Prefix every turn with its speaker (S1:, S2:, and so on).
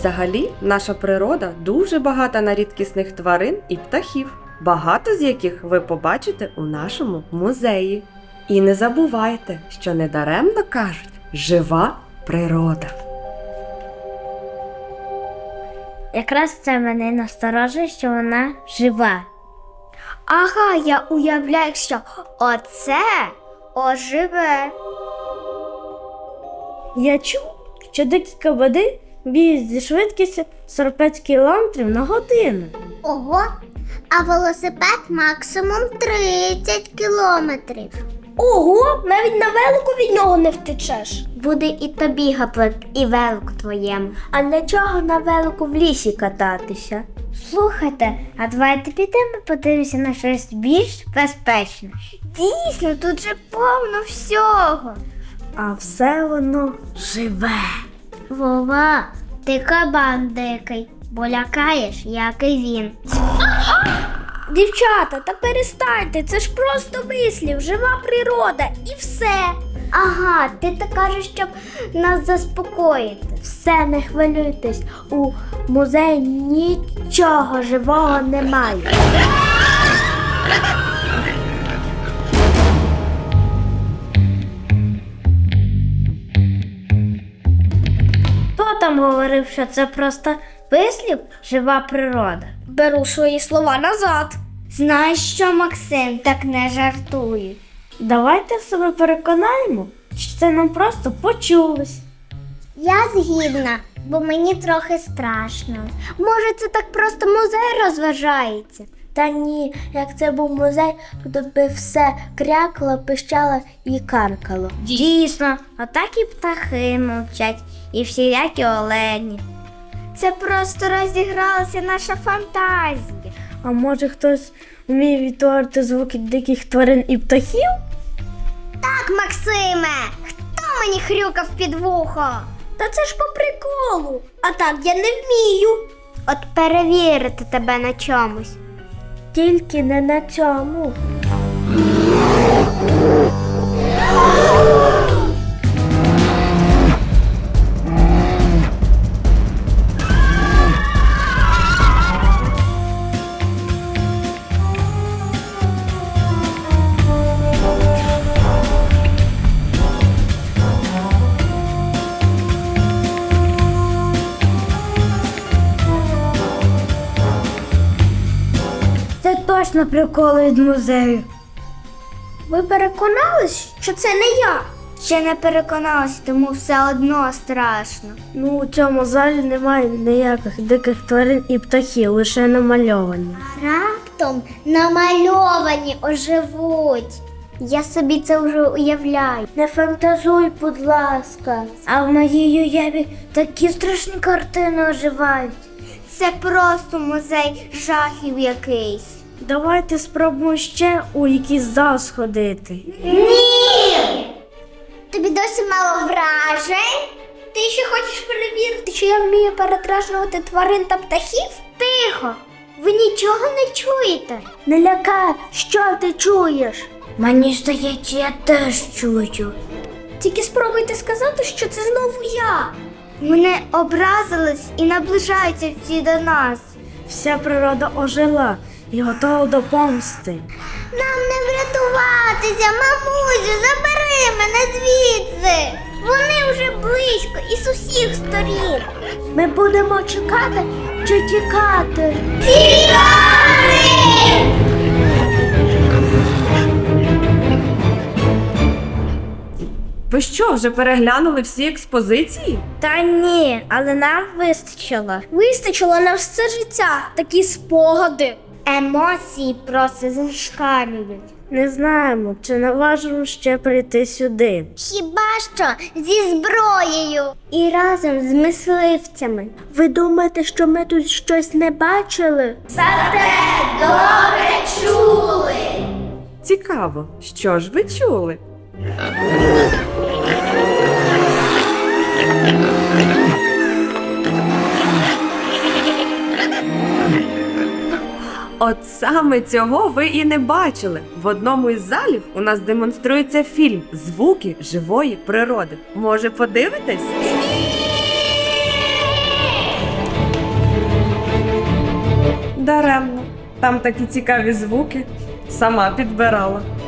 S1: Взагалі, наша природа дуже багата на рідкісних тварин і птахів, багато з яких ви побачите у нашому музеї. І не забувайте, що недаремно кажуть «жива природа».
S2: Якраз це мене насторожує, що вона жива. Ага, я уявляю, що оце оживе.
S3: Я чув, що дикі кабани бігають зі швидкістю 45 км на годину.
S2: Ого, а велосипед максимум 30 кілометрів.
S3: Ого, навіть на велику від нього не втечеш.
S2: Буде і тобі гаплик, і велику твоєму.
S3: А для чого на велику в лісі кататися?
S2: Слухайте, а давайте підемо подивимося на щось більш безпечне. Дійсно, тут же повно всього.
S3: А все воно живе.
S2: Вова, ти кабан дикий, бо лякаєш, як і він.
S3: Дівчата, та перестаньте, це ж просто вислів, жива природа і все.
S2: Ага, ти так кажеш, щоб нас заспокоїти.
S3: Все, не хвилюйтесь, у музеї нічого живого немає.
S2: Хто там говорив, що це просто вислів жива природа?
S3: Беру свої слова назад.
S2: Знаєш що, Максим, так не жартують.
S3: Давайте себе переконаємо, що це нам просто почулось.
S2: Я згідна, бо мені трохи страшно. Може, це так просто музей розважається?
S3: Та ні, як це був музей, тут би все крякало, пищало і каркало.
S2: Дійсно, отак і птахи мовчать, і всілякі олені. Це просто розігралася наша фантазія.
S3: А може хтось вміє відтворити звуки диких тварин і птахів?
S2: Так, Максиме, хто мені хрюкав під вухо?
S3: Та це ж по приколу, а так я не вмію.
S2: От перевірити тебе на чомусь.
S3: Тільки не на цьому.
S2: Це точно приколи від музею.
S3: Ви переконались, що це не я?
S2: Ще не переконалась, тому все одно страшно.
S3: Ну, у цьому залі немає ніяких диких тварин і птахів, лише намальовані.
S2: Раптом намальовані оживуть. Я собі це вже уявляю.
S3: Не фантазуй, будь ласка.
S2: А в моїй уяві такі страшні картини оживають. Це просто музей жахів якийсь.
S3: Давайте спробуємо ще у якийсь зал сходити.
S2: Ні! Тобі досі мало вражень? Ти ще хочеш перевірити, що я вмію передражнювати тварин та птахів? Тихо! Ви нічого не чуєте?
S3: Не лякай, що ти чуєш?
S2: Мені здається, я теж чую.
S3: Тільки спробуйте сказати, що це знову я.
S2: Вони образились і наближаються всі до нас.
S3: Вся природа ожила і готова до помсти.
S2: Нам не врятуватися, мамусю, забери мене звідси. Вони вже близько і з усіх сторін.
S3: Ми будемо чекати чи тікати?
S2: Тікати!
S1: Ви що, вже переглянули всі експозиції?
S3: Та ні, але нам вистачило. Вистачило на все життя, такі спогади.
S2: Емоції просто зашкалюють.
S3: Не знаємо, чи наважимо ще прийти сюди.
S2: Хіба що зі зброєю і разом з мисливцями.
S3: Ви думаєте, що ми тут щось не бачили?
S2: Зате добре чули.
S1: Цікаво, що ж ви чули? От саме цього ви і не бачили. В одному із залів у нас демонструється фільм «Звуки живої природи». Може, подивитесь? Даремно. Там такі цікаві звуки. Сама підбирала.